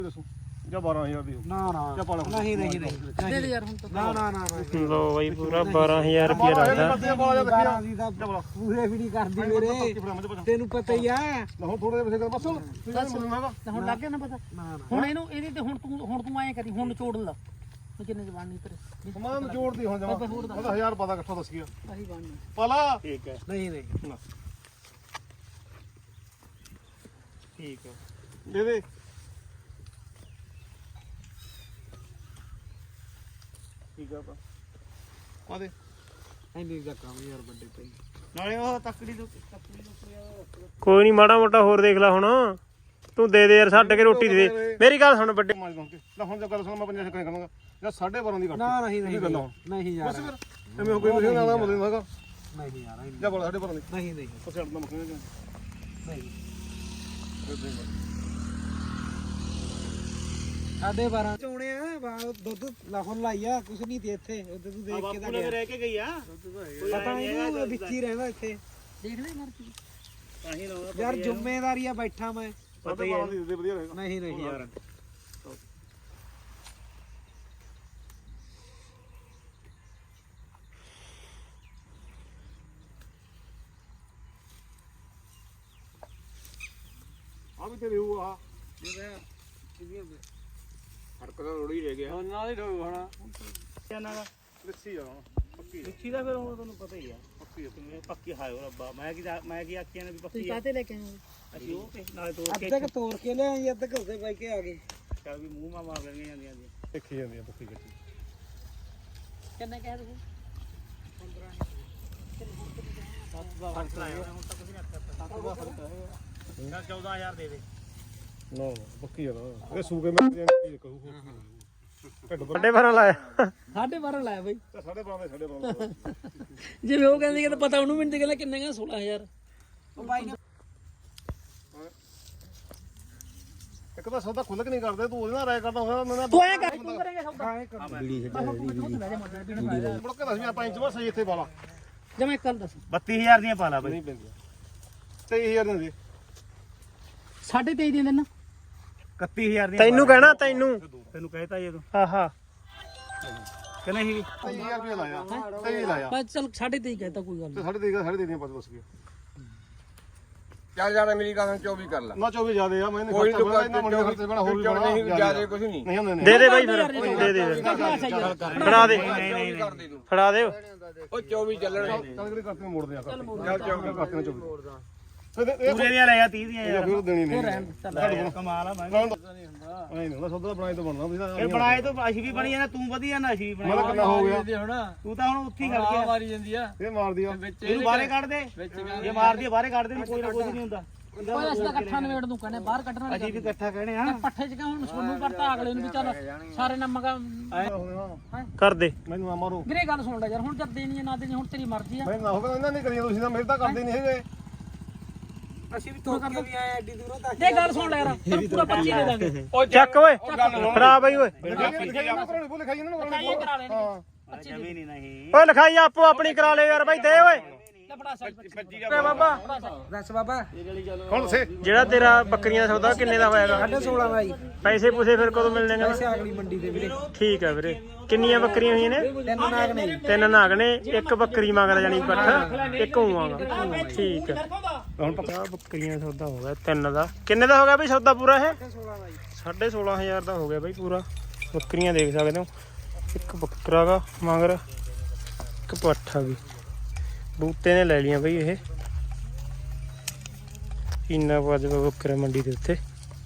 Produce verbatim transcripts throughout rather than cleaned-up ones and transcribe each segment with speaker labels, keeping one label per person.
Speaker 1: ਦੱਸੋ ਜਾਂ ਬਾਰਾਂ ਹਜ਼ਾਰ ਦੀ
Speaker 2: ਨਾ ਨਾ ਨਹੀਂ ਨਹੀਂ ਨਹੀਂ
Speaker 3: ਦੇ ਯਾਰ ਹੁਣ ਤਾਂ
Speaker 2: ਨਾ ਨਾ ਨਾ
Speaker 4: ਲੋ ਬਾਈ ਪੂਰਾ ਬਾਰਾਂ ਹਜ਼ਾਰ ਰੁਪਏ ਲੱਗਦਾ
Speaker 2: ਪੂਰੇ ਵੀ ਨਹੀਂ ਕਰਦੀ ਮੇਰੇ ਤੈਨੂੰ ਪਤਾ ਹੀ ਆ
Speaker 1: ਹੁਣ ਥੋੜੇ ਜਿਹਾ ਬਸ ਬਸ
Speaker 3: ਹੁਣ ਲੱਗ ਗਿਆ ਨਾ ਪਤਾ ਹੁਣ ਇਹਨੂੰ ਇਹਦੀ ਤੇ ਹੁਣ ਤੂੰ ਹੁਣ ਤੂੰ ਐਂ ਕਰੀ ਹੁਣ ਨਿਚੋੜ ਲਾ ਕਿੰਨੇ ਜਵਾਨ ਨਹੀਂ ਤੇਰੇ
Speaker 1: ਸਮਾਨ ਜੋੜਦੀ ਹੁਣ ਜਮਾ ਉਹਦਾ ਹਜ਼ਾਰ ਪਤਾ ਇਕੱਠਾ ਦੱਸ ਗਿਆ
Speaker 3: ਆਹੀ ਬਣ
Speaker 1: ਪਾਲਾ
Speaker 4: ਠੀਕ ਹੈ
Speaker 2: ਨਹੀਂ ਨਹੀਂ
Speaker 4: ਠੀਕ ਹੈ
Speaker 1: ਦੇ ਦੇ ਠੀਕ ਆ ਪਾ ਦੇ
Speaker 2: ਐਨੀ ਦਾ ਕੰਮ ਯਾਰ ਵੱਡੇ ਪਈ
Speaker 4: ਨਾਲੇ ਉਹ ਤੱਕੜੀ ਤੋਂ ਤੱਕੜੀ ਤੋਂ ਕੋਈ ਨਹੀਂ ਮਾੜਾ ਮੋਟਾ ਹੋਰ ਦੇਖ ਲੈ ਹੁਣ ਤੂੰ ਦੇ ਦੇ ਯਾਰ ਛੱਡ ਕੇ ਰੋਟੀ ਦੇ ਦੇ ਮੇਰੀ ਗੱਲ ਸੁਣ ਵੱਡੇ
Speaker 1: ਮਾਜ ਦੋਂਕੇ ਲੈ ਹੁਣ ਜੇ ਗੱਲ ਸੁਣ ਮੈਂ ਪੰਜਾਹ ਛੱਕਾਂ ਕਰਾਂਗਾ ਜਾਂ ਸਾਢੇ ਬਾਰਾਂ ਦੀ ਕੱਟ
Speaker 2: ਨਾ ਨਹੀਂ ਨਹੀਂ
Speaker 1: ਗੱਲ ਹੁਣ
Speaker 2: ਨਹੀਂ ਯਾਰ
Speaker 1: ਬਸ ਫਿਰ ਐਵੇਂ ਹੋ ਕੋਈ ਨਹੀਂ ਨਾ ਮਦਦ ਹੈਗਾ
Speaker 2: ਨਹੀਂ ਯਾਰ
Speaker 1: ਜਾਂ ਬੋਲ ਸਾਢੇ ਬਾਰਾਂ ਦੀ
Speaker 2: ਨਹੀਂ ਨਹੀਂ
Speaker 1: ਉਹ ਛੱਡ ਦਾ ਮੱਖਣੇ ਜਾਂ
Speaker 2: ਨਹੀਂ ਸਾਡੇ ਬਾਰਾਂ ਚੋਣੇ ਆ ਬਾਹਰ ਦੁੱਧ ਲਾਹੌਰ ਲਾਈ ਆ ਕੁਛ ਨਹੀਂ ਤੇ ਇੱਥੇ ਉਧਰ ਤੂੰ ਦੇਖ ਕੇ ਤਾਂ ਗਿਆ
Speaker 4: ਰਹਿ ਕੇ ਗਈ ਆ
Speaker 2: ਪਤਾ ਨਹੀਂ ਵਿੱਚ ਹੀ ਰਹਿੰਦਾ ਇੱਥੇ
Speaker 3: ਦੇਖ ਲੈ ਮਰਜ਼ੀ
Speaker 4: ਤਾਂ ਹੀ ਲਾਉਂਦਾ
Speaker 2: ਯਾਰ ਜ਼ਿੰਮੇਵਾਰੀ ਆ ਬੈਠਾ ਮੈਂ
Speaker 1: ਪਤਾ ਹੀ ਹੈ ਦੇ ਵਧੀਆ ਰਹੇਗਾ
Speaker 2: ਨਹੀਂ ਨਹੀਂ ਯਾਰ
Speaker 1: ਆ ਵੀ ਤੇਰੇ ਉਹ ਆ
Speaker 4: ਹੜਕ ਦਾ ਰੋੜੀ ਰਹਿ ਗਿਆ
Speaker 2: ਨਾਲ ਹੀ ਠੋਕ ਹੋਣਾ
Speaker 4: ਇਹਨਾਂ ਦਾ
Speaker 1: ਲੱਸੀ ਆ ਪੱਕੀ
Speaker 4: ਲਿਖੀ ਦਾ ਫਿਰ ਉਹ ਤੁਹਾਨੂੰ ਪਤਾ ਹੀ ਆ
Speaker 1: ਪੱਕੀ
Speaker 4: ਤੁਸੀਂ ਪੱਕੀ ਹਾਇਓ ਰੱਬਾ ਮੈਂ ਕੀ ਮੈਂ ਕੀ ਆਖਿਆ ਨੇ ਵੀ
Speaker 3: ਤੁਸੀਂ
Speaker 4: ਪੱਕੀ ਆ
Speaker 3: ਕਾਹਤੇ ਲੈ ਕੇ ਆਏ
Speaker 4: ਅਸੀਂ ਉਹ ਤੇ ਨਾਲੇ ਤੋੜ ਕੇ
Speaker 2: ਅੱਧਾ ਕ ਤੋੜ ਕੇ ਲਿਆਈ ਅੱਧਾ ਘੁੱਸੇ ਪਾਈ ਕੇ ਆ ਗਏ
Speaker 4: ਚੱਲ ਵੀ ਮੂੰਹ ਮਾ ਮਾਰ ਲੈਣੀਆਂ ਜਾਂਦੀਆਂ ਜੀ
Speaker 1: ਦੇਖੀ ਜਾਂਦੀ ਆ ਪੱਕੀ ਕੱਚੀ
Speaker 3: ਕਿੰਨੇ ਕਹਿ ਤੁਸੀਂ
Speaker 4: ਚੌਦਾਂ ਹਜ਼ਾਰ ਦੇ ਦੇ
Speaker 1: ਨਾ ਨਾ ਪੱਕੀ ਆ ਨਾ ਇਹ ਸੂਕੇ ਮੈਂ ਕੀ ਕਹੂ ਢੱਡ ਪਰ
Speaker 4: ਵੱਡੇ ਭਰਾ ਲਾਇਆ
Speaker 3: ਸਾਢੇ ਬਾਰਾਂ ਲਾਇਆ ਬਈ
Speaker 1: ਸਾਢੇ ਬਾਰਾਂ ਦੇ ਸਾਢੇ ਬਾਰਾਂ
Speaker 3: ਜਿਵੇਂ ਉਹ ਕਹਿੰਦੇ ਕਿ ਪਤਾ ਉਹਨੂੰ ਮੈਨੂੰ ਤੇ ਕਹਿੰਦਾ ਕਿੰਨੇ ਕਹਿੰਦਾ ਸੋਲਾਂ ਹਜ਼ਾਰ
Speaker 2: ਉਹ ਬਾਈ ਨੇ
Speaker 1: ਇੱਕ ਤਾਂ ਸੌਦਾ ਖੁੱਲ ਕੇ ਨਹੀਂ ਕਰਦੇ ਤੂੰ ਉਹਦੇ ਨਾਲ ਰਾਇ ਕਰਦਾ ਹੋਇਆ ਮੈਂ
Speaker 3: ਤੂੰ ਐਂ ਕਰ ਤੂੰ ਕਰੇਂਗਾ ਸੌਦਾ
Speaker 1: ਮੁੜ ਕੇ ਦੱਸ ਵੀ ਆਪਾਂ ਇੰਚ ਬਸ ਸਹੀ ਇੱਥੇ ਪਾਲਾ
Speaker 3: ਜਮੇ ਕੱਲ ਦੱਸ
Speaker 4: ਬੱਤੀ ਹਜ਼ਾਰ ਦੀਆਂ ਪਾ ਲਾ ਬਈ
Speaker 1: ਨਹੀਂ ਪੈਂਦੀਆਂ ਤੇਈ ਹਜ਼ਾਰ ਦੇ
Speaker 3: ਸਾਢੇ ਤੇਈ ਦੇ ਦੇਣਾ
Speaker 4: ਇਕੱਤੀ ਹਜ਼ਾਰ ਦੀਆਂ ਤੈਨੂੰ ਕਹਿਣਾ ਤੈਨੂੰ ਤੈਨੂੰ ਕਹਿਤਾ ਇਹ ਤੂੰ
Speaker 1: ਆਹਾ
Speaker 4: ਕਿ ਨਹੀਂ ਵੀ
Speaker 1: ਤੇਈ ਹਜ਼ਾਰ ਰੁਪਏ ਲਾਇਆ ਤੇਈ ਲਾਇਆ
Speaker 3: ਬਸ ਚੱਲ ਸਾਢੇ ਤੇਈ ਕਹਿਤਾ ਕੋਈ ਗੱਲ
Speaker 1: ਤੇ ਸਾਢੇ ਤੇਈ ਸਾਢੇ ਤੇਈ ਦੀਆਂ ਪੱਜ ਬਸ ਗਿਆ
Speaker 5: ਚੱਲ ਜਾਣਾ ਮੇਰੀ ਗੱਲ ਚੌਵੀ ਕਰ ਲਾ
Speaker 1: ਨਾ ਚੌਵੀ ਜ਼ਿਆਦੇ ਆ ਮੈਂ ਨਹੀਂ
Speaker 5: ਕੋਈ
Speaker 1: ਖਰਚਾ ਇਹਨਾਂ ਮੁੰਡੇ ਖਰਚੇ ਬਣਾ ਹੋਰ ਵੀ ਬਣਾ
Speaker 5: ਨਹੀਂ ਜਿਆਦਾ ਕੁਝ ਨਹੀਂ
Speaker 1: ਨਹੀਂ ਹੁੰਦੇ ਨੇ
Speaker 4: ਦੇ ਦੇ ਬਾਈ ਫਿਰ ਦੇ ਦੇ ਫੜਾ ਦੇ
Speaker 5: ਕਰ ਦੇ ਤੂੰ
Speaker 4: ਫੜਾ ਦੇ
Speaker 5: ਉਹ ਚੌਵੀ ਚੱਲਣੇ
Speaker 1: ਚੱਲ ਕਿਹੜੇ ਕਰਤੇ ਮੋੜਦੇ ਆ
Speaker 5: ਚੱਲ ਚੌਵੀ
Speaker 1: ਕਰਤੇ ਨੇ ਚੌਵੀ
Speaker 4: ਪੂਰੇ ਦੀਆਂ ਲੈ ਜਾ ਤੀਹ ਦੀਆਂ
Speaker 1: ਇਹ ਫਿਰ ਦੇਣੀ ਨਹੀਂ
Speaker 4: ਕਮਾਲ ਆ ਮੈਂ
Speaker 1: ਨਹੀਂ ਨਹੀਂ ਸੌਦਾ ਬਣਾਏ ਤਾਂ ਬਣਨਾ ਵੀ
Speaker 4: ਫਿਰ ਬਣਾਏ ਤੋਂ ਅਸੀਂ ਵੀ ਬਣੀ ਜਾਣਾ ਤੂੰ ਵਧੀਆ ਨਾ ਅਸੀਂ ਵੀ
Speaker 1: ਮੈਂ
Speaker 4: ਬਣਾਏ
Speaker 1: ਕਿੰਨਾ ਹੋ ਗਿਆ
Speaker 4: ਤੂੰ ਤਾਂ ਹੁਣ ਉੱਥੇ ਹੀ ਖੜ ਗਿਆ
Speaker 2: ਮਾਰੀ ਜਾਂਦੀ ਆ
Speaker 1: ਇਹ ਮਾਰ ਦਿਆ
Speaker 4: ਇਹਨੂੰ ਬਾਹਰੇ ਕੱਢ ਦੇ ਜੇ ਮਾਰਦੀ ਬਾਹਰੇ ਕੱਢ ਦੇ ਕੋਈ ਨਾ ਕੁਝ ਨਹੀਂ ਹੁੰਦਾ
Speaker 3: ਓਏ ਅਸੀਂ ਤਾਂ ਇਕੱਠਾ ਨਵੇੜ ਦੂੰ ਕਹਿੰਦੇ ਬਾਹਰ ਕੱਢਣਾ ਨਹੀਂ
Speaker 4: ਅਸੀਂ ਵੀ ਇਕੱਠਾ ਕਹਿਣੇ ਆ
Speaker 3: ਪੱਠੇ ਚ ਕਿਉਂ ਹੁਣ ਸੋਨੂੰ ਕਰਤਾ ਅਗਲੇ ਨੂੰ ਵੀ ਚੱਲ ਸਾਰੇ ਨਾ ਮਗਾ
Speaker 4: ਕਰ ਦੇ
Speaker 1: ਮੈਨੂੰ ਨਾ ਮਾਰੋ
Speaker 3: ਵੀਰੇ ਗੱਲ ਸੁਣ ਲੈ ਯਾਰ ਹੁਣ ਜਦ ਦੇਣੀ ਹੈ ਨਾ ਦੇਣੀ ਹੁਣ ਤੇਰੀ ਮਰਜ਼ੀ ਆ
Speaker 1: ਮੈਂ ਨਾ ਹੋਗਾ ਇਹਨਾਂ ਨਹੀਂ ਕਰੀਏ ਤੁਸੀਂ ਤਾਂ ਮੇਰੇ ਤਾਂ ਕਰਦੇ ਨਹੀਂ ਹੈਗੇ
Speaker 2: ਅਸੀਂ ਵੀ ਤੋੜ ਕੇ ਵੀ ਆਏ ਐਡੀ ਦੂਰੋਂ ਤੱਕ
Speaker 3: ਦੇ ਗੱਲ ਸੁਣ ਲੈ ਯਾਰ ਤੈਨੂੰ ਪੂਰਾ ਪੱਚੀ ਦੇ ਦਾਂਗੇ
Speaker 5: ਉਹ
Speaker 4: ਚੱਕ ਓਏ ਫੜਾ ਬਾਈ ਓਏ
Speaker 1: ਲਿਖਾਈ ਇਹਨਾਂ ਕੋਲ ਬੋਲ ਲਿਖਾਈ ਇਹਨਾਂ ਕੋਲ
Speaker 3: ਇਹ ਕਰਾ ਲੈਣੀ
Speaker 1: ਹਾਂ
Speaker 4: ਜਮੀ ਨਹੀਂ ਨਹੀਂ ਓਏ ਲਿਖਾਈ ਆਪੋ ਆਪਣੀ ਕਰਾ ਲੈ ਯਾਰ ਬਾਈ ਦੇ ਓਏ
Speaker 3: ਲੈ ਫੜਾ ਸਾਈ
Speaker 4: ਓਏ ਬਾਬਾ
Speaker 2: ਦੱਸ ਬਾਬਾ
Speaker 1: ਹੁਣ ਸੇ
Speaker 4: ਜਿਹੜਾ ਤੇਰਾ ਬੱਕਰੀਆਂ ਦਾ ਸੌਦਾ ਕਿੰਨੇ ਦਾ ਹੋਇਆਗਾ
Speaker 2: ਸੋਲਾਂ ਦਾ ਜੀ
Speaker 4: ਪੈਸੇ ਪੂਸੇ ਫਿਰ ਕਦੋਂ ਮਿਲਣੇ ਨੇ
Speaker 2: ਪੈਸੇ ਅਗਲੀ ਮੰਡੀ ਦੇ ਵੀਰੇ
Speaker 4: ਠੀਕ ਆ ਵੀਰੇ ਕਿੰਨੀਆਂ ਬੱਕਰੀਆਂ ਹੋਈਆਂ ਨੇ
Speaker 2: ਤਿੰਨ ਨਾਗ ਨੇ ਜੀ
Speaker 4: ਤਿੰਨ ਨਾਗ ਨੇ ਇੱਕ ਬੱਕਰੀ ਮੰਗਦਾ ਜਾਨੀ ਪੱਠ ਇੱਕ ਹੋਵਾਂਗਾ ਠੀਕ ਹੈ ਹੁਣ ਪਤਾ ਬੱਕਰੀਆਂ ਦਾ ਸੌਦਾ ਹੋ ਗਿਆ ਤਿੰਨ ਦਾ ਕਿੰਨੇ ਦਾ ਹੋ ਗਿਆ ਬਈ ਸੌਦਾ ਪੂਰਾ ਇਹ
Speaker 2: ਸੋਲਾਂ ਦਾ ਜੀ
Speaker 4: ਸਾਢੇ ਸੋਲਾਂ ਹਜ਼ਾਰ ਦਾ ਹੋ ਗਿਆ ਬਈ ਪੂਰਾ ਬੱਕਰੀਆਂ ਦੇਖ ਸਕਦੇ ਹੋ ਇੱਕ ਬੱਕਰਾ ਗਾ ਮਗਰ ਇੱਕ ਪੱਠਾ ਵੀ ਬੂਟੇ ਨੇ ਲੈ ਲਈਆਂ ਬਈ ਇਹ ਇੰਨਾ ਵੱਜ ਬੱਕਰਾ ਮੰਡੀ ਦੇ ਉੱਤੇ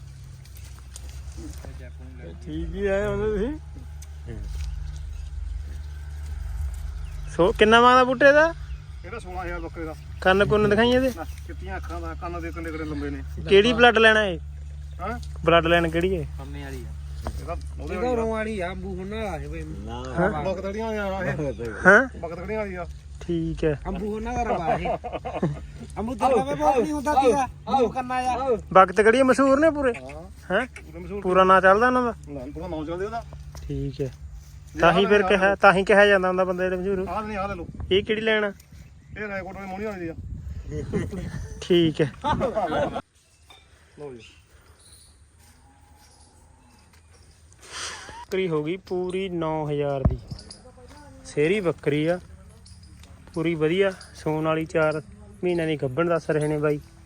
Speaker 4: ਠੀਕ ਹੀ ਆਏ ਹੁੰਦੇ ਤੁਸੀਂ ਸੋ ਕਿੰਨਾ ਮੰਗਦਾ ਬੂਟੇ ਦਾ
Speaker 1: ਇਹਦਾ ਸੋਲਾਂ ਹਜ਼ਾਰ ਬੱਕਰੇ ਦਾ
Speaker 4: ਕੰਨ ਕੁੰਨ ਦਿਖਾਈ ਇਹਦੇ
Speaker 1: ਕਿੱਤੀਆਂ ਅੱਖਾਂ ਦਾ ਕੰਨ ਦੇ ਕੰਨੇ ਕਿਹੜੇ ਲੰਬੇ ਨੇ
Speaker 4: ਕਿਹੜੀ ਬਲੱਡ ਲੈਣਾ ਇਹ
Speaker 1: ਹਾਂ
Speaker 4: ਬਲੱਡ ਲੈਣ ਕਿਹੜੀ ਹੈ
Speaker 2: ਕੰਮੇ ਵਾਲੀ ਆ
Speaker 1: ਇਹਦਾ ਉਹਦੇ
Speaker 2: ਇਹਦਾ ਰੋਂ ਵਾਲੀ ਆ ਅੰਬੂ ਹੁਣ ਵਾਲਾ ਹੈ ਬਈ
Speaker 1: ਬਕਤੜੀਆਂ ਆ ਇਹ
Speaker 4: ਹਾਂ
Speaker 1: ਬਕਤੜੀਆਂ ਵਾਲੀ ਆ
Speaker 4: ਠੀਕ ਹੈ
Speaker 2: ਅੰਬੂ ਉਹਨਾਂ ਦਾ ਰਵਾ ਹੈ ਅੰਬੂ ਤਾਂ ਵੇ ਬਹੁਤ ਨਹੀਂ ਹੁੰਦਾ ਸੀਗਾ ਅੰਬੂ ਕੰਨਾ ਆ
Speaker 4: ਵਕਤ ਕਿਹੜੀ ਮਸ਼ਹੂਰ ਨੇ ਪੂਰੇ
Speaker 1: ਹਾਂ
Speaker 4: ਹੈ
Speaker 1: ਪੂਰੇ ਮਸ਼ਹੂਰ
Speaker 4: ਪੂਰਾ ਨਾਂ ਚੱਲਦਾ ਉਹਨਾਂ ਦਾ
Speaker 1: ਨਾ ਪੂਰਾ ਨਾਮ ਚੱਲਦੇ ਉਹਦਾ
Speaker 4: ਠੀਕ ਹੈ ਤਾਂ ਹੀ ਫਿਰ ਕਿਹਾ ਤਾਂ ਹੀ ਕਿਹਾ ਜਾਂਦਾ ਹੁੰਦਾ ਬੰਦੇ ਦੇ ਮਸ਼ਹੂਰ
Speaker 1: ਆਹ ਨਹੀਂ ਆਹ ਲੈ ਲਓ
Speaker 4: ਇਹ ਕਿਹੜੀ ਲੈਣਾ
Speaker 1: ਇਹ ਰਾਏਕੋਟ ਵਾਲੀ ਮੋਹਣੀ ਵਾਲੀ ਦੀ ਆ।
Speaker 4: ਠੀਕ ਹੈ
Speaker 1: ਲਓ ਜੀ
Speaker 4: ਬੱਕਰੀ ਹੋ ਗਈ ਪੂਰੀ ਨੌ ਹਜ਼ਾਰ ਦੀ। ਸੇਰੀ ਬੱਕਰੀ ਆ ਪੂਰੀ ਵਧੀਆ ਸੂਣ ਵਾਲੀ, ਚਾਰ ਮਹੀਨਿਆਂ ਦੀ ਗੱਭਣ ਦੱਸ ਰਹੇ ਨੇ ਬਾਈ।